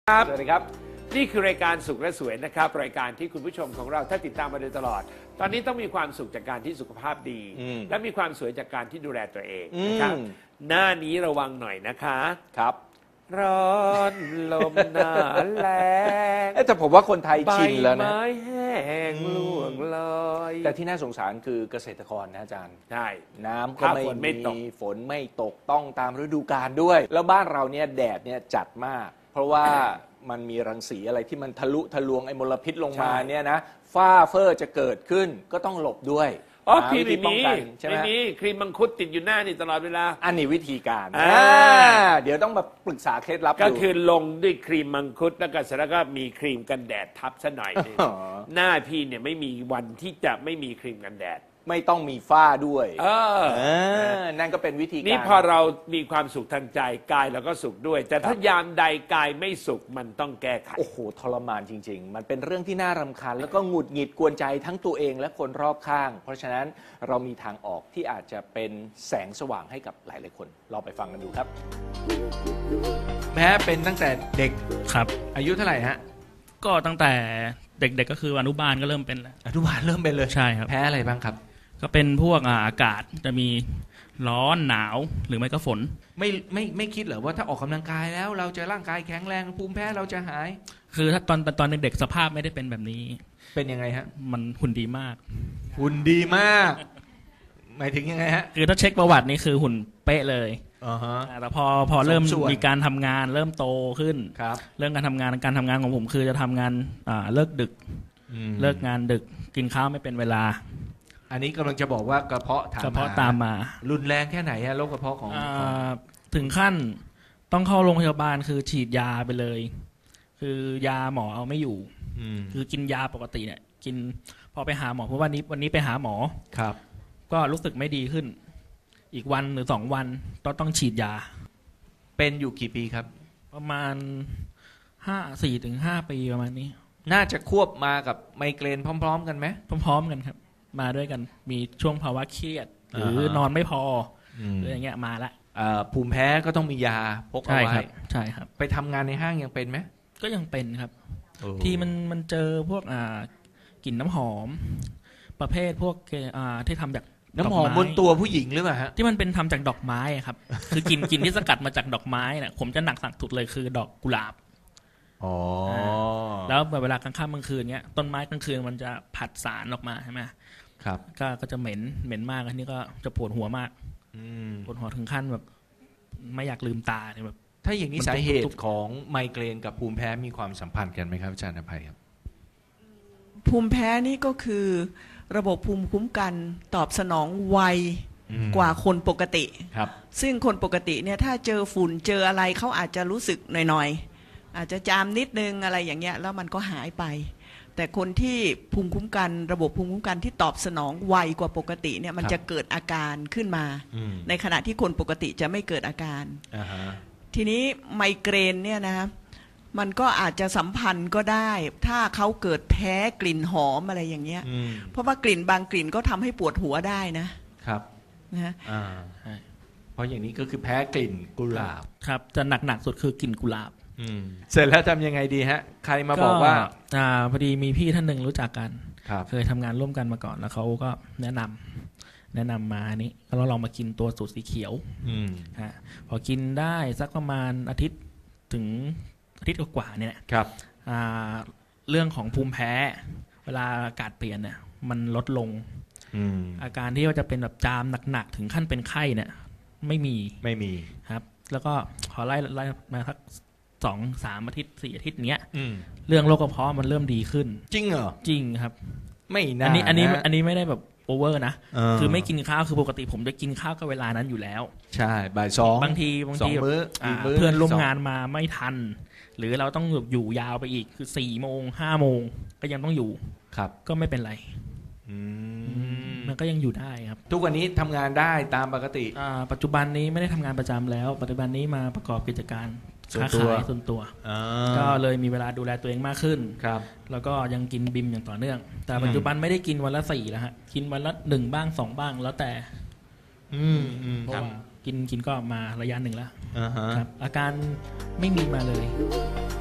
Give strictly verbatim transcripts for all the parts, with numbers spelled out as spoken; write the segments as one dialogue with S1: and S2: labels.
S1: ครับสวัสดีครับนี่คือรายการสุขและสวยนะครับรายการที่คุณผู้ชมของเราถ้าติดตามมาโดยตลอดตอนนี้ต้องมีความสุขจากการที่สุขภาพดีและมีความสวยจากการที่ดูแลตัวเองนะครับหน้านี้ระวังหน่อยนะคะ
S2: ครับ
S1: ร้อนลมหนาแรง
S2: แต่ผมว่าคนไทยชินแล้วนะ
S1: ใบไม้แห้งล่วงลอย
S2: แต่ที่น่าสงสารคือเกษตรกรนะอาจารย์
S1: ใช่
S2: น้ำก็ไม่มีฝนไม่ตกต้องตามฤดูกาลด้วยแล้วบ้านเราเนี่ยแดดเนี่ยจัดมากเพราะว่ามันมีรังสีอะไรที่มันทะลุทะลวงไอ้มลพิษลงมาเนี่ยนะฝ้าเฟอร์จะเกิดขึ้นก็ต้องหลบด้วย
S1: อ๋อครีมไม่มีไม่มีครีมมังคุดติดอยู่หน้านี่ตลอดเวลา
S2: อันนี้วิธีการเดี๋ยวต้องมาปรึกษาเคล็ดลับ
S1: ก็คือลงด้วยครีมมังคุดแล้วก็เสร็จแล้วก็มีครีมกันแดดทับซะหน่อยนึงหน้าพี่เนี่ยไม่มีวันที่จะไม่มีครีมกันแดด
S2: ไม่ต้องมีฝ้าด้วย
S1: เออ
S2: นั่นก็เป็นวิธีการ
S1: นี่พอเรามีความสุขทางใจกายเราก็สุขด้วยแต่ถ้ายามใดกายไม่สุขมันต้องแก้ไข
S2: โอ้โหทรมานจริงๆมันเป็นเรื่องที่น่ารำคาญแล้วก็หงุดหงิดกวนใจทั้งตัวเองและคนรอบข้างเพราะฉะนั้นเรามีทางออกที่อาจจะเป็นแสงสว่างให้กับหลายๆคนลองไปฟังกันดูครับแพ้เป็นตั้งแต่เด็ก
S3: ครับ
S2: อายุเท่าไหร่ฮะ
S3: ก็ตั้งแต่เด็กๆ ก็คืออนุบาลก็เริ่มเป็นแล้ว
S2: อนุบาลเริ่มเป็นเลย
S3: ใช่ครับ
S2: แพ้อะไรบ้างครับ
S3: ก็เป็นพวกอากาศจะมีร้อนหนาวหรือไม่ก็ฝน
S2: ไม่ไม่ไม่คิดเหรอว่าถ้าออกกำลังกายแล้วเราจะร่างกายแข็งแรงภูมิแพ้เราจะหาย
S3: คือถ้าตอนตอนเด็กๆสภาพไม่ได้เป็นแบบนี้
S2: เป็นยังไงฮะ
S3: มันหุ่นดีมาก
S2: หุ่นดีมากหมายถึงยังไงฮะ
S3: คือถ้าเช็คประวัตินี่คือหุ่นเป๊ะเลย
S2: อ๋อฮะ
S3: แต่พอพอเริ่มมีการทำงานเริ่มโตขึ้น
S2: ครับ
S3: เรื่องการทำงานการทำงานของผมคือจะทำงานเลิกดึกเลิกงานดึกกินข้าวไม่เป็นเวลา
S2: อันนี้กำลังจะบอกว่ากระเพาะ
S3: กระเพาะตามมา
S2: รุนแรงแค่ไหนฮะโรคกระเพาะของ
S3: ถึงขั้นต้องเข้าโรงพยาบาลคือฉีดยาไปเลยคือยาหมอเอาไม่อยู่คือกินยาปกติเนี่ยกินพอไปหาหมอเพราะวันนี้วันนี้ไปหาหมอ
S2: ครับ
S3: ก็รู้สึกไม่ดีขึ้นอีกวันหรือสองวันต้องต้องฉีดยา
S2: เป็นอยู่กี่ปีครับ
S3: ประมาณห้าสี่ถึงห้าปีประมาณนี้
S2: น่าจะควบมากับไมเกรนพร้อมๆกันไหม
S3: พร้อมๆกันครับมาด้วยกันมีช่วงภาวะเครียดหรือนอนไม่พอหรืออย่างเงี้ยมาละ
S2: ภูมิแพ้ก็ต้องมียาพกเอาไว้
S3: ใช่ครับ
S2: ไปทำงานในห้างยังเป็นไหม
S3: ก็ยังเป็นครับที่มันมันเจอพวกอ่ากลิ่นน้ำหอมประเภทพวกอ่าที่ทำจาก
S2: น้ำหอมบนตัวผู้หญิงหรือเปล่าฮะ
S3: ที่มันเป็นทำจากดอกไม้ครับคือกลิ่นกลิ่นที่สกัดมาจากดอกไม้เนี่ยผมจะหนักสักสุดเลยคือดอกกุหลาบ
S2: อ๋อ
S3: แล้วเวลากลางค่ำกลางคืนเงี้ยต้นไม้กลางคืนมันจะผัดสารออกมาใช่ไหม
S2: ครับ
S3: ก็ก็จะเหม็นเหม็นมากอันนี้ก็จะปวดหัวมากปวดหัวถึงขั้นแบบไม่อยากลืมตาเนี่ยแบบ
S2: ถ้าอย่างนี้สาเหตุของไมเกรนกับภูมิแพ้มีความสัมพันธ์กันไหมครับอาจารย์อภัยครับ
S4: ภูมิแพ้นี่ก็คือระบบภูมิคุ้มกันตอบสนองไวกว่าคนปกติ
S2: ครับ
S4: ซึ่งคนปกติเนี่ยถ้าเจอฝุ่นเจออะไรเขาอาจจะรู้สึกหน่อยๆอาจจะจามนิดนึงอะไรอย่างเงี้ยแล้วมันก็หายไปแต่คนที่ภูมิคุ้มกันระบบภูมิคุ้มกันที่ตอบสนองไวกว่าปกติเนี่ยมันจะเกิดอาการขึ้นมาในขณะที่คนปกติจะไม่เกิดอาการ
S2: uh-huh.
S4: ทีนี้ไมเกรนเนี่ยนะมันก็อาจจะสัมพันธ์ก็ได้ถ้าเขาเกิดแพ้กลิ่นหอมอะไรอย่างเงี้ยเพราะว่ากลิ่นบางกลิ่นก็ทำให้ปวดหัวได้นะครับ
S2: นะเพราะอย่างนี้ก็คือแพ้กลิ่นกุหลาบ
S3: ครับจะหนักๆสุดคือกลิ่นกุหลาบ
S2: เสร็จแล้วทำยังไงดีฮะใครมาบอกว่า
S3: อ่าพอดีมีพี่ท่านหนึ่งรู้จักกันเคยทำงานร่วมกันมาก่อนแล้วเขาก็แนะนำแนะนำมาอันนี้เราลองมากินตัวสูตรสีเขียวฮะพอกินได้สักประมาณอาทิตย์ถึงอาทิตย์กว่าเนี่ย
S2: ครับ
S3: เรื่องของภูมิแพ้เวลาอากาศเปลี่ยนเนี่ยมันลดลงอาการที่ว่าจะเป็นแบบจามหนักๆถึงขั้นเป็นไข้เนี่ยไม่มี
S2: ไม่มี
S3: ครับแล้วก็พอไล่ไล่มาสักสองสามอาทิตย์สี่อาทิตย์เนี้ยเรื่องโรคกระเพาะมันเริ่มดีขึ้น
S2: จริงเหรอ
S3: จริงครับ
S2: ไม่นะ
S3: อันนี้อันนี้อันนี้ไม่ได้แบบโอเวอร์นะคือไม่กินข้าวคือปกติผมจะกินข้าวก็เวลานั้นอยู่แล้ว
S2: ใช่บ่ายสอง
S3: บางทีบางทีเพื่อนร่วมงานมาไม่ทันหรือเราต้องอยู่ยาวไปอีกคือสี่โมงห้าโมงก็ยังต้องอยู่
S2: ครับ
S3: ก็ไม่เป็นไรมันก็ยังอยู่ได้ครับ
S2: ทุกวันนี้ทำงานได้ตามปกติ
S3: ปัจจุบันนี้ไม่ได้ทำงานประจำแล้วปัจจุบันนี้มาประกอบกิจการค้าขายส่วนตัวก็เลยมีเวลาดูแลตัวเองมากขึ้น
S2: ครับ
S3: แล้วก็ยังกินบิมอย่างต่อเนื่องแต่ปัจจุบันไม่ได้กินวันละสี่แล้วฮะกินวันละหนึ่งบ้างสองบ้างแล้วแต่เพราะว่ากินกินก็มาระยะหนึ่งแล้วครับอาการไม่มีมาเลย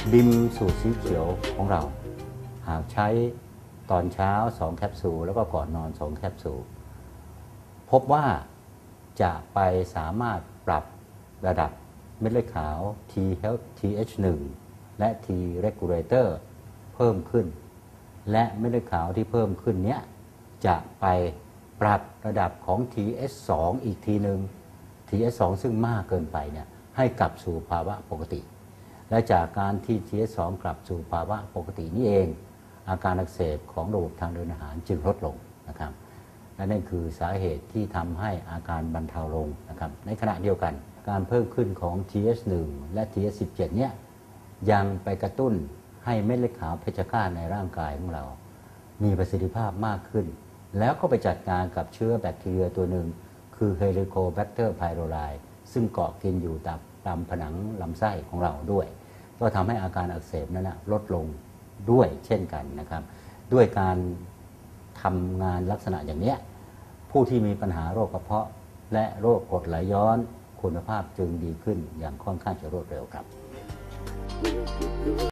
S5: บิมสูตรสีเขียวของเราหากใช้ตอนเช้าสองแคปซูลแล้วก็ก่อนนอนสองแคปซูลพบว่าจะไปสามารถปรับระดับเม็ดเลือดขาว T help ที เอช หนึ่ง และ T regulator เพิ่มขึ้นและเม็ดเลือดขาวที่เพิ่มขึ้นเนี้ยจะไปปรับระดับของ ที เอช สอง อีกทีหนึ่ง ที เอช สอง ซึ่งมากเกินไปเนี่ยให้กลับสู่ภาวะปกติและจากการที่ ที เอช สอง กลับสู่ภาวะปกตินี่เองอาการอักเสบของระบบทางเดินอาหารจึงลดลงนะครับและนั่นคือสาเหตุที่ทำให้อาการบรรเทาลงนะครับในขณะเดียวกันการเพิ่มขึ้นของ ที เอช หนึ่ง และ ที เอช สิบเจ็ด เนี่ยยังไปกระตุ้นให้เม็ดเลือดขาวเพชฌฆาตในร่างกายของเรามีประสิทธิภาพมากขึ้นแล้วก็ไปจัดการกับเชื้อแบคทีเรียตัวหนึ่งคือ Helicobacter pylori ซึ่งเกาะกินอยู่ตามผนังลำไส้ของเราด้วยก็ทำให้อาการอักเสบนั้นนะลดลงด้วยเช่นกันนะครับด้วยการทำงานลักษณะอย่างนี้ผู้ที่มีปัญหาโรคกระเพาะและโรคกรดไหลย้อนคุณภาพจึงดีขึ้นอย่างค่อนข้างจะรวดเร็วครับ